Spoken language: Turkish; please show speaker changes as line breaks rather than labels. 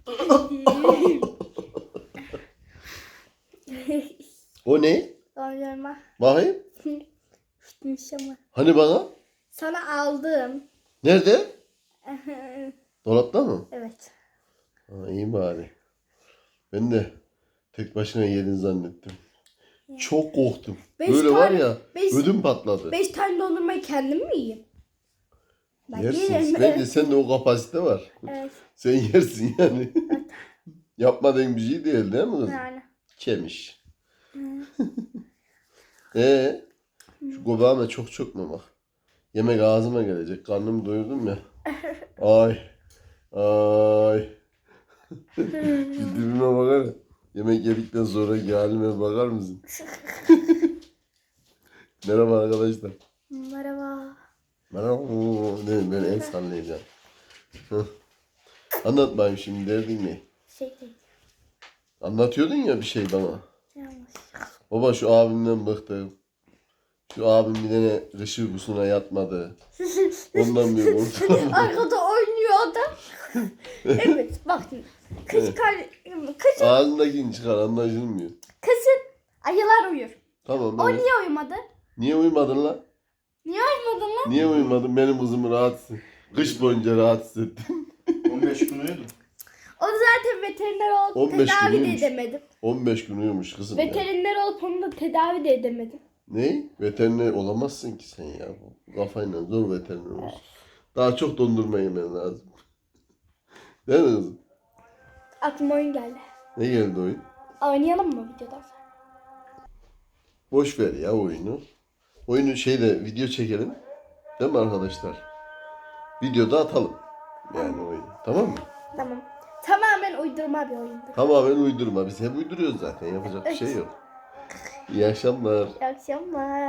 O ne?
Dondurma.
Bakayım.
Bitmiş ama.
Hani bana?
Sana aldım.
Nerede? Dolapta mı?
Evet.
Ha, iyi bari. Ben de tek başına yedin zannettim. Çok korktum. Böyle var ya ödüm patladı.
5 tane dondurmayı kendim mi yiyeyim? Ben
Yersin.
yerim.
Bence sende o kapasite var.
Evet.
Sen yersin yani. Yapmadığın bir şey değil mi kızım?
Yani.
Kemiş.
Hı.
Şu göbeğime çok mu bak. Yemek ağzıma gelecek. Karnımı doyurdum ya. Ay. Ay. Şu dibime bakar ya. Yemek yedikten sonra halime bakar mısın? Merhaba arkadaşlar.
Merhaba.
Merhaba. Ne, ben el sallayacağım. Heh. Anlat bakayım şimdi derdin ne?
Şey değil.
Anlatıyordun ya bir şey bana.
Yanlış.
Baba şu abimden bıktım. Şu abim bir tane kış uykusuna yatmadı. Ondan bir korktum.
Arkada oynuyor adam. Evet bak şimdi. Kışın
Ağzındakini çıkar anlaşılmıyor.
ayılar uyur.
Tamam.
O
Evet.
niye uyumadı?
Niye uyumadın lan?
Niye uyumadın lan?
Niye uyumadın? Benim kızımı rahatsız. Kış boyunca rahatsız ettin.
15 gün uyudum.
O zaten veteriner olup
15
tedavi de
günüymüş.
edemedim.
15 gün uyumuş kızım ya.
Veteriner olup onu da tedavi de edemedim.
Ne? Veteriner olamazsın ki sen ya. Bu kafayla zor veteriner olursun. Daha çok dondurma yemen lazım. Değil mi kızım?
Aklıma oyun geldi.
Ne geldi oyun?
Oynayalım mı videodan sonra?
Boş ver ya oyunu. Oyunu video çekelim. Değil mi arkadaşlar? Videoda atalım. Yani oyunu. Tamam mı?
Tamam. Tamamen uydurma bir oyundu.
Tamamen uydurma. Biz hep uyduruyoruz zaten. Yapacak bir şey yok. İyi akşamlar.
İyi akşamlar.